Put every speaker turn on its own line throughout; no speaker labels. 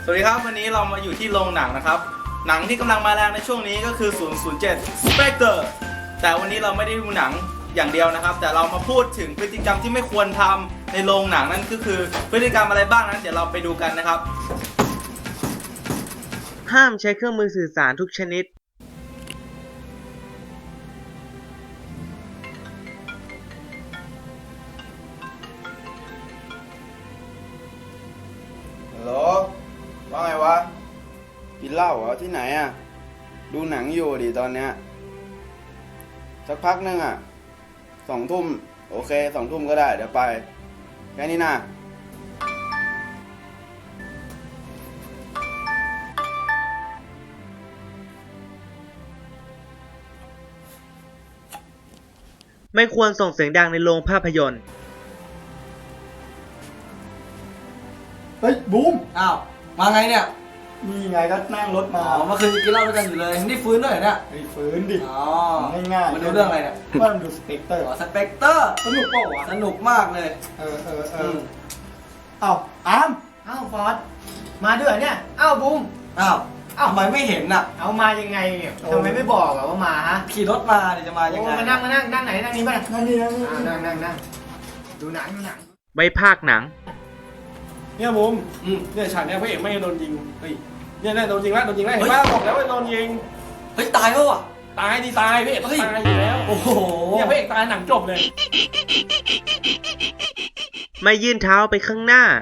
สวัสดีครับวันนี้เรามาอยู่ที่โรงหนังนะครับหนังที่กำลังมาแรงในช่วงนี้ก็คือ 007 Spectre แต่วันนี้เราไม่ได้ดูหนังอย่างเดียวนะครับแต่เรามาพูดถึงพฤติกรรมที่ไม่ควรทำในโรงหนังนั่นก็คือพฤติกรรมอะไรบ้างนั้นเดี๋ยวเราไปดูกันนะครับ
ห้ามใช้เครื่องมือสื่อสารทุกชนิด
ฮัลโหลว่าไงวะกินเหล้าเหรอที่ไหนอ่ะดูหนังอยู่ดิตอนเนี้ยสักพักนึงอ่ะ2 ทุ่มโอเค2 ทุ่มก็ได้เดี๋ยวไปแค่นี้นะ
ไม่ควรส่งเสียงดังในโรงภาพยนตร์
เฮ้ยบูม
อ้าวมาไงเนี่ย
นี่ไงก็นั่งรถมา
อ๋อเมื่อคืนกินเหล้าด้วยกันอยู่เลยนี่ฟื้นด้วยเหรอเนี่ย
ไอ้ฟื้นดิ
อ๋อ
ง่ายๆ
มาดูเรื่องอะไรเนี่ย
ว่ามันดูสเปกเตอร์
อ๋อสเปกเตอร์
สนุกเปล่าวะ
สนุกมากเลย
เออเอ้าอาร์ม
เอ้าฟอร์ดมาด้วยเหรอเนี่ยเอ้าบูม
อ้าวทำไมไม่เห็นน่ะ
เอามายังไงเนี่ยทำไมไม่บอกอะว่ามาฮะ
ขี่รถมาเนี่ยจะมายัง
โอ้
ไง
มานั่งไหนนั่งนี้ป่ะ
นั่นนี่นั่นนี่
นั่งดูหนัง
ใบภาคหนัง
เนี่ยมุม
อืม
เนี่ยฉากเนี้ยพระเอกไม่โดนยิงเฮ้ยเนี่ยโดนยิงแล้วเห็นป่ะบอกแล้วว่าโดนยิง
เฮ้ยตายแล้วอ่ะ
ตายดิตายพระเอกต้องตายอยู่แล้ว
โอ้โห
เนี่ยพระเอกตายหนังจบเลย
ไม่ยื่นเท้าไปข้างหน้า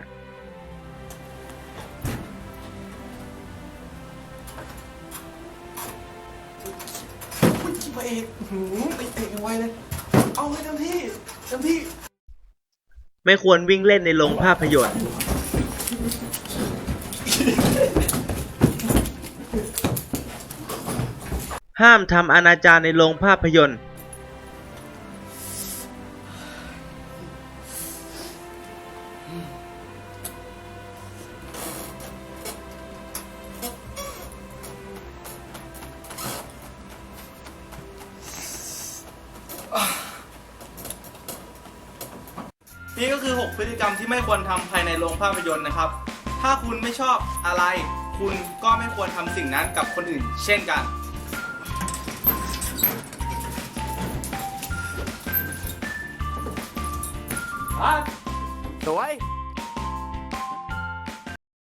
พระเอกไปเตะไว้เลยเอาให้เต็มที่
ไม่ควรวิ่งเล่นในโรงภาพยนตร์ ห้ามทำอนาจารในโรงภาพยนตร์
นี่ก็คือ 6 พฤติกรรมที่ไม่ควรทำภายในโรงภาพยนตร์นะครับ ถ้าคุณไม่ชอบอะไร คุณก็ไม่ควรทำสิ่งนั้นกับคนอื่นเช่นกัน